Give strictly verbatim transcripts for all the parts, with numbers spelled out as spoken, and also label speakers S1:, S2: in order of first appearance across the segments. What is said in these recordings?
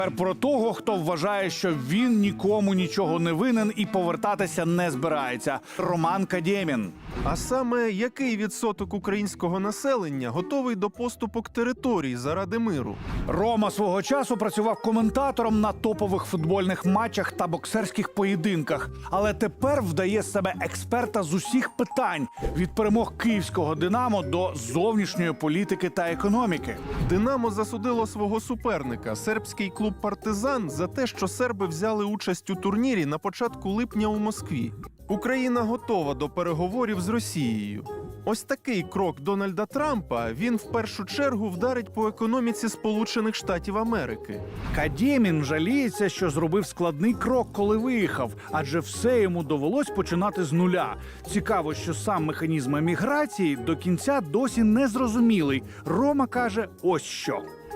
S1: Про того, хто вважає, що він нікому нічого не винен і повертатися не збирається. Роман Кадємін.
S2: А саме, який відсоток українського населення готовий до поступок територій заради миру?
S1: Рома свого часу працював коментатором на топових футбольних матчах та боксерських поєдинках. Але тепер вдає з себе експерта з усіх питань – від перемог київського «Динамо» до зовнішньої політики та економіки.
S2: «Динамо» засудило свого суперника, сербський клуб «Партизан», за те, що серби взяли участь у турнірі на початку липня у Москві. Україна готова до переговорів з Росією. Ось такий крок Дональда Трампа, він в першу чергу вдарить по економіці Сполучених Штатів Америки.
S1: Кадємін жаліється, що зробив складний крок, коли виїхав, адже все йому довелось починати з нуля. Цікаво, що сам механізм еміграції до кінця досі не зрозумілий. Рома каже ось що.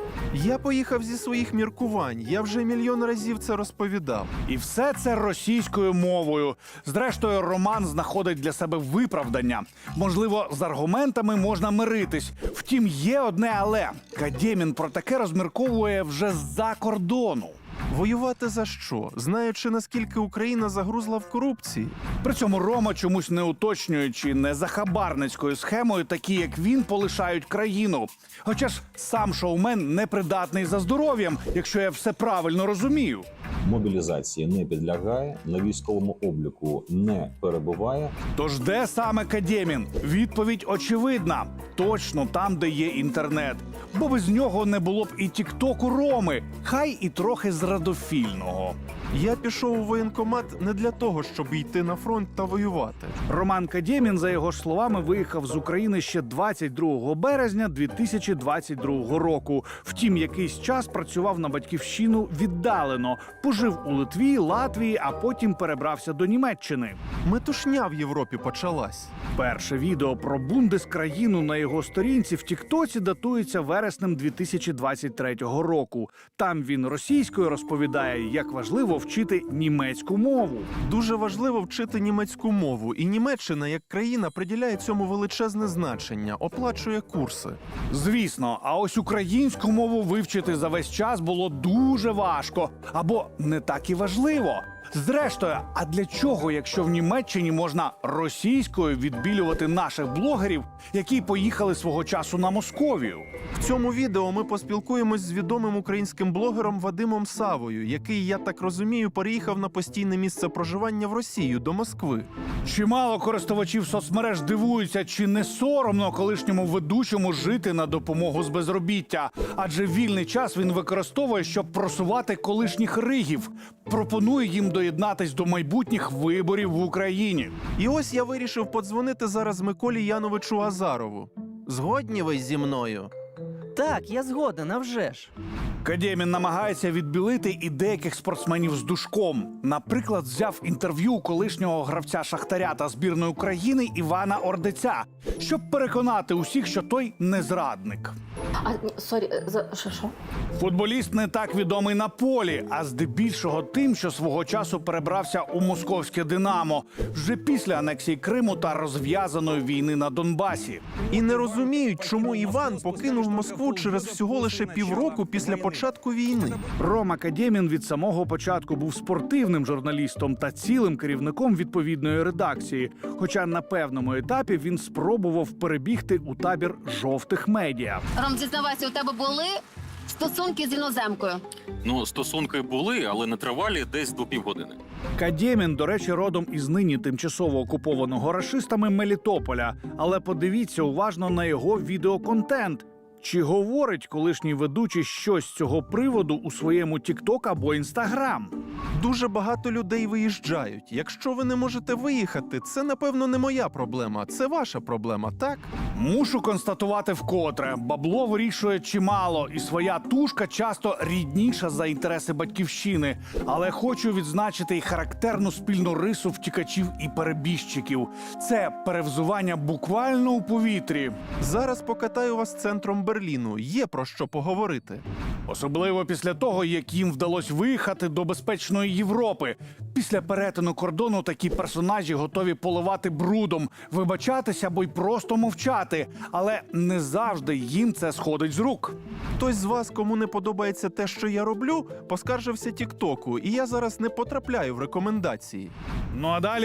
S2: Я поїхав зі своїх міркувань, я вже мільйон разів це розповідав.
S1: І все це російською мовою. Зрештою, Роман знаходить для себе виправдання. Можливо, з аргументами можна миритись. Втім, є одне але. Кадємін про таке розмірковує вже з-за кордону.
S2: Воювати за що? Знаючи, наскільки Україна загрузла в корупції?
S1: При цьому Рома, чомусь не уточнюючи, не за хабарницькою схемою, такі як він полишають країну. Хоча ж сам шоумен непридатний за здоров'ям, якщо я все правильно розумію.
S3: Мобілізації не підлягає, на військовому обліку не перебуває.
S1: Тож де саме Кадємін? Відповідь очевидна. Точно там, де є інтернет. Бо без нього не було б і тіктоку Роми, хай і трохи зрадофільного.
S2: Я пішов у воєнкомат не для того, щоб йти на фронт та воювати.
S1: Роман Кадємін, за його ж словами, виїхав з України ще двадцять другого березня дві тисячі двадцять другого року. Втім, якийсь час працював на батьківщину віддалено. Пожив у Литві, Латвії, а потім перебрався до Німеччини.
S2: Метушня в Європі почалась.
S1: Перше відео про Бундескраїну на його сторінці в Тіктоці датується вереснем дві тисячі двадцять третього року. Там він російською розповідає, як важливо вчити німецьку мову.
S2: Дуже важливо вчити німецьку мову, і Німеччина, як країна, приділяє цьому величезне значення, оплачує курси.
S1: Звісно, а ось українську мову вивчити за весь час було дуже важко. Або не так і важливо. Зрештою, а для чого, якщо в Німеччині можна російською відбілювати наших блогерів, які поїхали свого часу на Московію?
S2: В цьому відео ми поспілкуємось з відомим українським блогером Вадимом Савою, який, я так розумію, переїхав на постійне місце проживання в Росію, до Москви.
S1: Чимало користувачів соцмереж дивуються, чи не соромно колишньому ведучому жити на допомогу з безробіття. Адже вільний час він використовує, щоб просувати колишніх ригів. Пропонує їм доєднатись до майбутніх виборів в Україні.
S2: І ось я вирішив подзвонити зараз Миколі Яновичу Азарову. Згодні ви зі мною?
S4: Так, я згоден, а вже ж.
S1: Кадємін намагається відбілити і деяких спортсменів з душком. Наприклад, взяв інтерв'ю у колишнього гравця «Шахтаря» та збірної України Івана Ордиця, щоб переконати усіх, що той не зрадник.
S5: А, ні, сорі, за що, що?
S1: Футболіст не так відомий на полі, а здебільшого тим, що свого часу перебрався у московське «Динамо» вже після анексії Криму та розв'язаної війни на Донбасі.
S2: І не розуміють, чому Іван покинув Москву через всього лише півроку після початку війни.
S1: Рома Кадємін від самого початку був спортивним журналістом та цілим керівником відповідної редакції. Хоча на певному етапі він спробував перебігти у табір жовтих медіа.
S5: Ром, зізнавайся, у тебе були стосунки з іноземкою?
S6: Ну, стосунки були, але не тривалі, десь до півгодини.
S1: Кадємін, до речі, родом із нині тимчасово окупованого рашистами Мелітополя. Але подивіться уважно на його відеоконтент. Чи говорить колишній ведучий щось з цього приводу у своєму Тікток або Інстаграм?
S2: Дуже багато людей виїжджають. Якщо ви не можете виїхати, це, напевно, не моя проблема. Це ваша проблема, так?
S1: Мушу констатувати вкотре. Бабло вирішує чимало, і своя тушка часто рідніша за інтереси батьківщини. Але хочу відзначити й характерну спільну рису втікачів і перебіжчиків. Це перевзування буквально у повітрі.
S2: Зараз покатаю вас центром Берліну. Є про що поговорити.
S1: Особливо після того, як їм вдалося виїхати до безпечної Європи. Після перетину кордону такі персонажі готові поливати брудом, вибачатися або й просто мовчати. Але не завжди їм це сходить з рук.
S2: Хтось з вас, кому не подобається те, що я роблю, поскаржився Тіктоку, і я зараз не потрапляю в рекомендації.
S1: Ну а далі